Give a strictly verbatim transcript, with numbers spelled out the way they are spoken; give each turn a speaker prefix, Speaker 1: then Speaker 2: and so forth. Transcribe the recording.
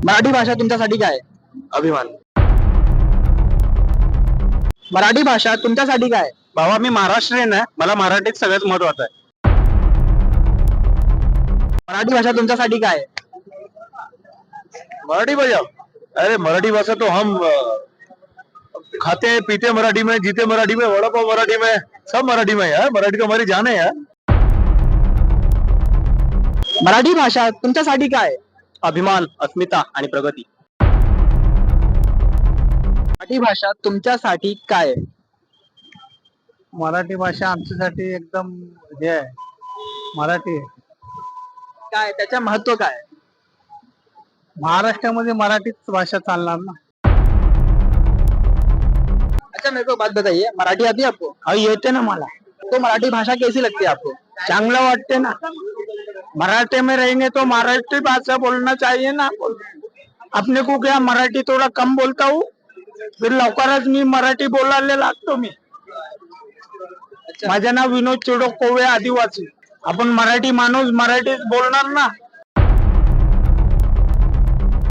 Speaker 1: मराठी भाषा तुमच्यासाठी काय आहे?
Speaker 2: अभिमान.
Speaker 1: मराठी भाषा तुमच्यासाठी काय आहे?
Speaker 2: भावा मी महाराष्ट्रीयन आहे, मला मराठीत सगळ्यात महत्वाचं आहे.
Speaker 1: मराठी भाषा तुमच्यासाठी काय आहे?
Speaker 2: मराठी भाषा, अरे मराठी भाषा तो हम अ, खाते हैं पीते मराठी में, जीते मराठी में, वड़ा पाव मराठी में, सब मराठी में है. मराठी तो हमारी जान है यार.
Speaker 1: मराठी भाषा तुमच्यासाठी काय आहे?
Speaker 2: अभिमान, अस्मिता आणि प्रगती.
Speaker 1: मराठी भाषा तुमच्यासाठी काय आहे?
Speaker 3: मराठी भाषा आमच्यासाठी एकदम हे आहे. मराठी
Speaker 1: काय त्याच्या महत्व काय आहे?
Speaker 3: महाराष्ट्रामध्ये मराठीच भाषा चालणार ना.
Speaker 1: अच्छा मेरे को बात बताइए, मराठी आती है आपको?
Speaker 3: हा येते ना मला,
Speaker 1: तो मराठी भाषा कैसी लगती है आपको?
Speaker 3: चांगलं वाटते ना. मराठी में रहेंगे तो मराठी भाषा बोलना चाहिए ना. अपने को क्या मराठी थोड़ा कम बोलता हूँ, फिर लवकरच मी मराठी बोलायला लागतो. मी माझे नाव विनोद चिडो कोवे, आदिवासी. आपण मराठी माणूस मराठीच बोलणार ना.